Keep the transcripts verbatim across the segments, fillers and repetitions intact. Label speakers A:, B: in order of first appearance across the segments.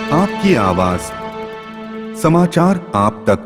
A: आपकी आवाज, समाचार आप तक।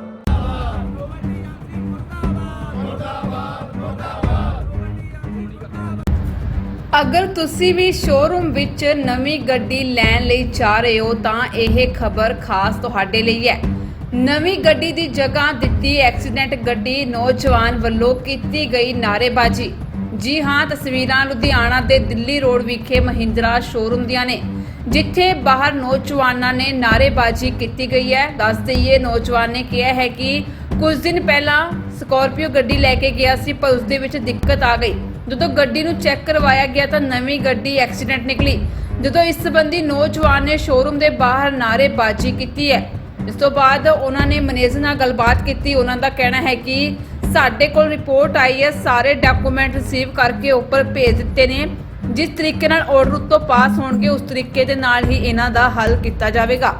B: अगर तुसी भी शोरूम विच नवी गड्डी लैण लई जा रहे हो तां यह खबर खास तुहाडे लई है। नवी गड्डी दी जगह दित्ती एक्सीडेंट गड्डी नौजवान वल्लों कीती गई नारेबाजी। जी हाँ, तस्वीरां लुधियाना दे दिल्ली रोड विखे महिंद्रा शोरूम दियां ने, जिथे बाहर नौजवानों ने नारेबाजी की गई है। दस दईए नौजवान ने कहा है कि कुछ दिन पहला स्कॉर्पियो गड्डी लैके गया सी, पर उसदे विच दिक्कत आ गई। ਜਦੋਂ ਗੱਡੀ ਨੂੰ ਚੈੱਕ ਕਰਵਾਇਆ ਗਿਆ ਤਾਂ ਨਵੀਂ ਗੱਡੀ ਐਕਸੀਡੈਂਟ ਨਿਕਲੀ। ਜਦੋਂ ਇਸ ਸੰਬੰਧੀ ਨੌਜਵਾਨ ਨੇ ਸ਼ੋਰੂਮ ਦੇ ਬਾਹਰ ਨਾਅਰੇਬਾਜ਼ੀ ਕੀਤੀ ਹੈ। ਇਸ ਤੋਂ ਬਾਅਦ ਉਹਨਾਂ ਨੇ ਮੈਨੇਜਰ ਨਾਲ ਗੱਲਬਾਤ ਕੀਤੀ। ਉਹਨਾਂ ਦਾ ਕਹਿਣਾ ਹੈ ਕਿ ਸਾਡੇ ਕੋਲ ਰਿਪੋਰਟ ਆਈ ਹੈ, ਸਾਰੇ ਡਾਕੂਮੈਂਟ ਰਿਸੀਵ ਕਰਕੇ ਉੱਪਰ ਭੇਜ ਦਿੱਤੇ ਨੇ। ਜਿਸ ਤਰੀਕੇ ਨਾਲ ਆਰਡਰ ਉੱਤੋਂ ਪਾਸ ਹੋਣਗੇ ਉਸ ਤਰੀਕੇ ਦੇ ਨਾਲ ਹੀ ਇਹਨਾਂ ਦਾ ਹੱਲ ਕੀਤਾ ਜਾਵੇਗਾ।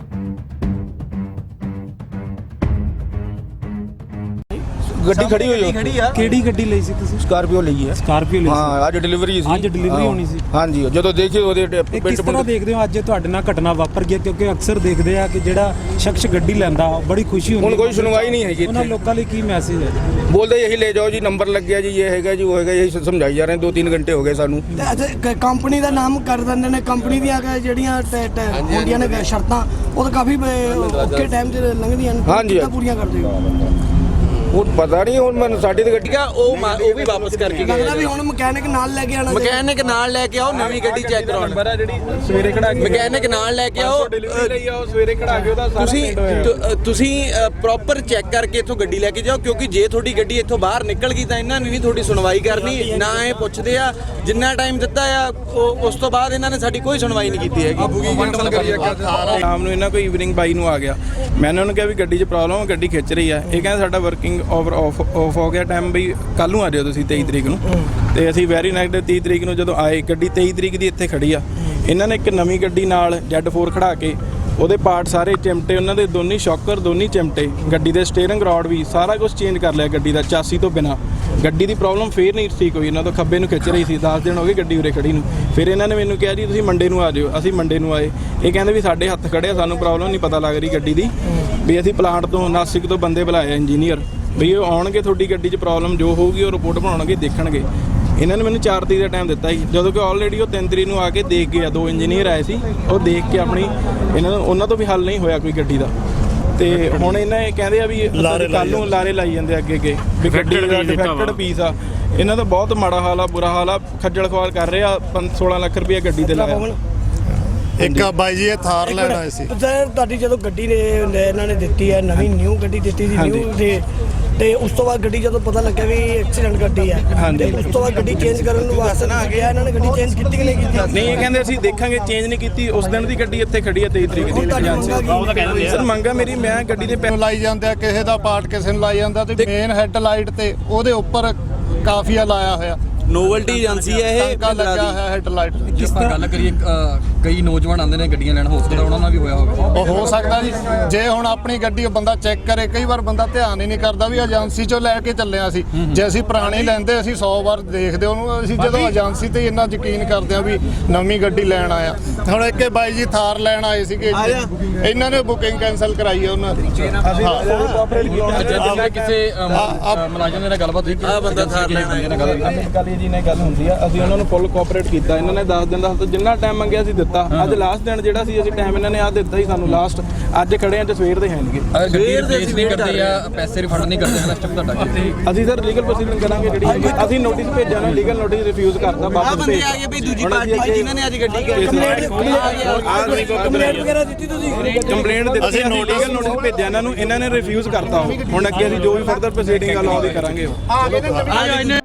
C: ਗੱਡੀ ਖੜੀ ਹੋਈ ਹੈ।
D: ਕਿਹੜੀ ਗੱਡੀ ਲਈ ਸੀ ਤੁਸੀਂ?
C: ਸਕਾਰਪੀਓ ਲਈ ਹੈ।
D: ਸਕਾਰਪੀਓ ਲਈ
C: ਹਾਂ, ਅੱਜ ਡਿਲੀਵਰੀ ਸੀ।
D: ਅੱਜ ਡਿਲੀਵਰੀ ਹੋਣੀ ਸੀ।
C: ਹਾਂਜੀ, ਜਦੋਂ ਦੇਖੇ ਉਹਦੇ
D: ਇਹ ਕਿਸ ਤਰ੍ਹਾਂ ਦੇਖਦੇ ਹੋ ਅੱਜ ਤੁਹਾਡੇ ਨਾਲ ਘਟਨਾ ਵਾਪਰ ਗਈ? ਕਿਉਂਕਿ ਅਕਸਰ ਦੇਖਦੇ ਆ ਕਿ ਜਿਹੜਾ ਸ਼ਖਸ ਗੱਡੀ ਲੈਂਦਾ ਬੜੀ ਖੁਸ਼ੀ ਹੁੰਦੀ।
C: ਹੁਣ ਕੋਈ ਸੁਣਵਾਈ ਨਹੀਂ ਹੈਗੀ।
D: ਉਹਨਾਂ ਲੋਕਾਂ ਲਈ ਕੀ ਮੈਸੇਜ ਹੈ?
C: ਬੋਲਦੇ ਯਹੀ ਲੈ ਜਾਓ ਜੀ, ਨੰਬਰ ਲੱਗਿਆ ਜੀ, ਇਹ ਹੈਗਾ ਜੀ, ਉਹ ਹੈਗਾ, ਇਹੀ ਸਮਝਾਈ ਜਾ ਰਹੇ ਦੋ ਤਿੰਨ ਘੰਟੇ ਹੋ ਗਏ ਸਾਨੂੰ।
E: ਕੰਪਨੀ ਦਾ ਨਾਮ ਕਰ ਦਿੰਦੇ ਨੇ, ਕੰਪਨੀ ਦੀਆਂ ਜਿਹੜੀਆਂ ਹੁੰਦੀਆਂ ਨੇ ਸ਼ਰਤਾਂ ਉਹ ਤਾਂ ਕਾਫੀ ਔਖੇ ਟਾਈਮ 'ਚ ਲੰਘਦੀਆਂ ਨੇ।
C: ਹਾਂਜੀ,
E: ਪੂਰੀਆਂ ਕਰਦੇ ਹੋ।
C: ਹੁਣ ਪਤਾ ਨਹੀਂ, ਹੁਣ ਮੈਨੂੰ ਸਾਡੀ ਤੇ ਗੱਡੀ
F: ਉਹ ਉਹ ਵੀ ਵਾਪਸ ਕਰਕੇ ਗਏ
E: ਲੱਗਦਾ ਵੀ ਹੁਣ ਮਕੈਨਿਕ ਨਾਲ ਲੈ ਕੇ ਆਣਾ।
F: ਮਕੈਨਿਕ ਨਾਲ ਲੈ ਕੇ ਆਓ, ਨਵੀਂ ਗੱਡੀ ਚੈੱਕ ਕਰਾਉਣ।
C: ਸਵੇਰੇ ਖੜਾ ਕੇ
F: ਮਕੈਨਿਕ ਨਾਲ ਲੈ ਕੇ ਆਓ,
C: ਲਈ ਆਓ, ਸਵੇਰੇ ਖੜਾ ਕੇ ਉਹਦਾ
F: ਤੁਸੀਂ ਤੁਸੀਂ ਪ੍ਰੋਪਰ ਚੈੱਕ ਕਰਕੇ ਇੱਥੋਂ ਗੱਡੀ ਲੈ ਕੇ ਜਾਓ। ਕਿਉਂਕਿ ਜੇ ਤੁਹਾਡੀ ਗੱਡੀ ਇੱਥੋਂ ਬਾਹਰ ਨਿਕਲ ਗਈ ਤਾਂ ਇਹਨਾਂ ਨੇ ਨਹੀਂ ਤੁਹਾਡੀ ਸੁਣਵਾਈ ਕਰਨੀ। ਨਾ ਇਹ ਪੁੱਛਦੇ ਆ ਜਿੰਨਾ ਟਾਈਮ ਦਿੱਤਾ ਆ, ਉਸ ਤੋਂ ਬਾਅਦ ਇਹਨਾਂ ਨੇ ਸਾਡੀ ਕੋਈ ਸੁਣਵਾਈ ਨਹੀਂ ਕੀਤੀ ਹੈਗੀ।
C: ਸ਼ਾਮ ਨੂੰ ਇਹਨਾਂ ਕੋਈ ਈਵਨਿੰਗ ਬਾਈ ਨੂੰ ਆ ਗਿਆ। ਮੈਂ ਇਹਨਾਂ ਨੂੰ ਕਿਹਾ ਵੀ ਗੱਡੀ 'ਚ ਪ੍ਰੋਬਲਮ, ਗੱਡੀ ਖਿੱਚ ਰਹੀ ਹੈ। ਇਹ ਕਹਿੰਦਾ ਸਾਡਾ ਵਰਕਿੰਗ ਓਵਰ ਆਫ ਆਫ ਹੋ ਗਿਆ ਟਾਈਮ, ਬਈ ਕੱਲ੍ਹ ਨੂੰ ਆ ਜਾਓ ਤੁਸੀਂ ਤੇਈ ਤਰੀਕ ਨੂੰ। ਤੇ ਅਸੀਂ ਵੈਰੀ ਨੈਗੇਟਿਵ ਤੀਹ ਤਰੀਕ ਨੂੰ ਜਦੋਂ ਆਏ, ਗੱਡੀ ਤੇਈ ਤਰੀਕ ਦੀ ਇੱਥੇ ਖੜੀ ਆ। ਇਹਨਾਂ ਨੇ ਇੱਕ ਨਵੀਂ ਗੱਡੀ ਨਾਲ ਜ਼ੈਡ ਫੋਰ ਖੜਾ ਕੇ ਉਹਦੇ ਪਾਰਟ ਸਾਰੇ ਚਿਮਟੇ, ਉਹਨਾਂ ਦੇ ਦੋਨੀ ਸ਼ੌਕਰ ਦੋਨੀ ਚਿਮਟੇ, ਗੱਡੀ ਦੇ ਸਟੀਅਰਿੰਗ ਰੋਡ ਵੀ ਸਾਰਾ ਕੁਝ ਚੇਂਜ ਕਰ ਲਿਆ ਗੱਡੀ ਦਾ ਚਾਸੀ ਤੋਂ ਬਿਨਾਂ। ਗੱਡੀ ਦੀ ਪ੍ਰੋਬਲਮ ਫੇਰ ਨਹੀਂ ਠੀਕ ਹੋਈ। ਇਹਨਾਂ ਤੋਂ ਖੱਬੇ ਨੂੰ ਖਿੱਚ ਰਹੀ ਸੀ, ਦਸ ਦਿਨ ਹੋ ਗਏ ਗੱਡੀ ਉਰੇ ਖੜੀ ਨੂੰ। ਫਿਰ ਇਹਨਾਂ ਨੇ ਮੈਨੂੰ ਕਿਹਾ ਜੀ ਤੁਸੀਂ ਮੰਡੇ ਨੂੰ ਆ ਜਾਓ। ਅਸੀਂ ਮੰਡੇ ਨੂੰ ਆਏ। ਇਹ ਕਹਿੰਦੇ ਵੀ ਸਾਡੇ ਹੱਥ ਖੜੇ ਆ, ਸਾਨੂੰ ਪ੍ਰੋਬਲਮ ਨਹੀਂ ਪਤਾ ਲੱਗ ਰਹੀ ਗੱਡੀ ਦੀ। ਵੀ ਅਸੀਂ ਪਲਾਂਟ ਤੋਂ ਨਾਸਿਕ ਤੋਂ ਬੰਦੇ ਬੁਲਾਏ ਇੰਜੀਨੀਅਰ, ਵੀ ਉਹ ਆਉਣਗੇ, ਤੁਹਾਡੀ ਗੱਡੀ 'ਚ ਪ੍ਰੋਬਲਮ ਜੋ ਹੋਊਗੀ ਉਹ ਰਿਪੋਰਟ ਬਣਾਉਣਗੇ, ਦੇਖਣਗੇ। ਇਹਨਾਂ ਨੇ ਮੈਨੂੰ ਚਾਰ ਤਰੀਕ ਦਾ ਟਾਈਮ ਦਿੱਤਾ ਸੀ, ਜਦੋਂ ਕਿ ਆਲਰੇਡੀ ਉਹ ਤਿੰਨ ਤਰੀਕ ਨੂੰ ਆ ਕੇ ਦੇਖ ਗਏ ਆ। ਦੋ ਇੰਜੀਨੀਅਰ ਆਏ ਸੀ, ਉਹ ਦੇਖ ਕੇ ਆਪਣੀ ਇਹਨਾਂ ਨੂੰ ਉਹਨਾਂ ਤੋਂ ਵੀ ਹੱਲ ਨਹੀਂ ਹੋਇਆ ਕੋਈ ਗੱਡੀ ਦਾ। ਤੇ ਹੁਣ ਇਹਨਾਂ ਇਹ ਕਹਿੰਦੇ ਆ ਵੀ ਕੱਲ੍ਹ ਨੂੰ ਲਾਰੇ ਲਾਈ ਜਾਂਦੇ ਅੱਗੇ ਅੱਗੇ ਵੀ ਗੱਡੀ ਦਾ ਡਿਫੈਕਟਡ ਪੀਸ ਆ। ਇਹਨਾਂ ਦਾ ਬਹੁਤ ਮਾੜਾ ਹਾਲ ਆ, ਬੁਰਾ ਹਾਲ ਆ, ਖੱਜਲ ਖਵਾਲ ਕਰ ਰਹੇ ਆ। ਪੰਜ ਸੋਲਾਂ ਲੱਖ ਰੁਪਇਆ ਗੱਡੀ ਤੇ ਲਾਇਆ।
G: ਇੱਕ ਬਾਈ ਜੀ ਇਹ ਥਾਰ ਲੈਣ ਆਏ ਸੀ।
E: ਸਰ ਤੁਹਾਡੀ ਜਦੋਂ ਗੱਡੀ ਨੇ ਇਹਨਾਂ ਨੇ ਦਿੱਤੀ ਹੈ, ਨਵੀਂ ਨਿਊ ਗੱਡੀ ਦਿੱਤੀ ਸੀ ਨਿਊ ਦੇ, ਤੇ ਉਸ ਤੋਂ ਬਾਅਦ ਗੱਡੀ ਜਦੋਂ ਪਤਾ ਲੱਗਿਆ ਵੀ ਐਕਸੀਡੈਂਟ ਗੱਡੀ ਹੈ, ਤੇ ਉਸ ਤੋਂ ਬਾਅਦ ਗੱਡੀ ਚੇਂਜ ਕਰਨ ਨੂੰ ਵਾਸਤੇ ਨਾ ਆ ਗਿਆ। ਇਹਨਾਂ ਨੇ ਗੱਡੀ ਚੇਂਜ ਕੀਤੀ ਕਿ ਨਹੀਂ ਕੀਤੀ?
C: ਨਹੀਂ, ਇਹ ਕਹਿੰਦੇ ਅਸੀਂ ਦੇਖਾਂਗੇ, ਚੇਂਜ ਨਹੀਂ ਕੀਤੀ। ਉਸ ਦਿਨ ਦੀ ਗੱਡੀ ਇੱਥੇ ਖੜੀ ਹੈ ਤੇਈ ਤਰੀਕ ਦੀ। ਸਰ ਮੰਗਾ ਮੇਰੀ, ਮੈਂ ਗੱਡੀ ਦੇ
G: ਪੈਸੇ ਲਾਈ ਜਾਂਦੇ ਆ, ਕਿਸੇ ਦਾ ਪਾਰਟ ਕਿਸੇ ਨੂੰ ਲਾਈ ਜਾਂਦਾ, ਤੇ ਮੇਨ ਹੈੱਡ ਲਾਈਟ ਤੇ ਉਹਦੇ ਉੱਪਰ ਕਾਫੀਆ ਲਾਇਆ ਹੋਇਆ।
F: ਨੋਵਲਟੀ ਏਜੰਸੀ ਹੈ ਇਹ,
G: ਟਾਂਕਾ ਲੱਗਾ ਹੋਇਆ ਹੈੱਡ ਲਾਈਟ।
H: ਜਿਸ ਤਰ੍ਹਾਂ ਗੱਲ ਕਰੀਏ, ਕਈ ਨੌਜਵਾਨ ਆਉਂਦੇ ਨੇ ਗੱਡੀਆਂ ਲੈਣ, ਹੋ ਸਕਦਾ ਉਹਨਾਂ ਨਾਲ ਵੀ ਹੋਇਆ ਹੋਵੇ।
G: ਉਹ ਹੋ ਸਕਦਾ ਜੀ। ਜੇ ਹੁਣ ਆਪਣੀ ਗੱਡੀ ਬੰਦਾ ਚੈੱਕ ਕਰੇ, ਕਈ ਵਾਰ ਬੰਦਾ ਧਿਆਨ ਹੀ ਨਹੀਂ ਕਰਦਾ ਵੀ ਏਜੰਸੀ ਚੋਂ ਲੈ ਕੇ ਚੱਲੇ ਅਸੀਂ। ਜੇ ਅਸੀਂ ਪੁਰਾਣੀ ਲੈਂਦੇ, ਅਸੀਂ ਸੌ ਵਾਰ ਦੇਖਦੇ ਉਹਨੂੰ। ਅਸੀਂ ਜਦੋਂ ਏਜੰਸੀ ਤੇ ਇੰਨਾ ਯਕੀਨ ਕਰਦੇ ਆ ਵੀ ਨਵੀਂ ਗੱਡੀ ਲੈਣ ਆਇਆ। ਹੁਣ ਇੱਕ ਬਾਈ ਜੀ ਥਾਰ ਲੈਣ ਆਏ ਸੀਗੇ, ਇਹਨਾਂ ਨੇ ਬੁਕਿੰਗ ਕੈਂਸਲ ਕਰਾਈ ਹੈ ਉਹਨਾਂ ਦੀ।
H: ਕਿਸੇ ਮੁਲਾਜ਼ਮ ਨਾਲ ਗੱਲਬਾਤ ਹੋਈ,
F: ਆ ਬੰਦਾ ਥਾਰ ਲੈਣ ਆਇਆ
C: ਜੀ ਨੇ ਗੱਲ ਹੁੰਦੀ ਆ। ਅਸੀਂ ਉਹਨਾਂ ਨੂੰ ਫੁੱਲ ਕੋਆਪਰੇਟ ਕੀਤਾ। ਇਹਨਾਂ ਨੇ ਦਸ ਦਿਨ ਦਾ ਜਿੰਨਾ ਟਾਈਮ ਮੰਗਿਆ ਸੀ ਦਿੱਤਾ। ਅੱਜ ਲਾਸਟ ਦਿਨ ਜਿਹੜਾ ਸੀ ਅਸੀਂ ਟਾਈਮ ਇਹਨਾਂ ਨੇ ਆ ਦਿੱਤਾ ਸੀ ਸਾਨੂੰ ਲਾਸਟ। ਅੱਜ ਖੜੇ ਆ ਤੇ ਸਵੇਰ ਦੇ ਹੈਣਗੇ।
H: ਸਵੇਰ ਦੇ ਅਸੀਂ ਵੇਟ ਕਰਦੇ ਆ, ਪੈਸੇ ਰਿਫੰਡ ਨਹੀਂ ਕਰਦੇ ਨਾ ਸਟੈਪ ਤੁਹਾਡਾ।
C: ਅਸੀਂ ਸਰ ਲੀਗਲ ਪ੍ਰੋਸੀਡਿੰਗ ਕਰਾਂਗੇ ਜਿਹੜੀ ਹੈਗੀ। ਅਸੀਂ ਨੋਟਿਸ ਭੇਜਿਆ ਨਾ, ਲੀਗਲ ਨੋਟਿਸ ਰਿਫਿਊਜ਼ ਕਰਤਾ। ਵਾਪਸ ਭੇਜ
F: ਆ ਗਏ ਬਈ ਦੂਜੀ ਪਾਰਟੀ ਜਿਨ੍ਹਾਂ ਨੇ ਅੱਜ ਗੱਡੀ
E: ਕੰਪਲੇਂਟ ਵਗੈਰਾ ਦਿੱਤੀ ਤੁਸੀਂ?
C: ਕੰਪਲੇਂਟ ਦਿੱਤੀ, ਅਸੀਂ ਲੀਗਲ ਨੋਟਿਸ ਭੇਜਿਆ ਇਹਨਾਂ ਨੂੰ, ਇਹਨਾਂ ਨੇ ਰਿਫਿਊਜ਼ ਕਰਤਾ। ਹੁਣ ਅੱਗੇ ਅਸੀਂ ਜੋ ਵੀ ਫਰਦਰ ਪ੍ਰੋਸੀਡਿੰਗ ਆ ਲਾਅ ਦੀ ਕਰਾਂਗੇ।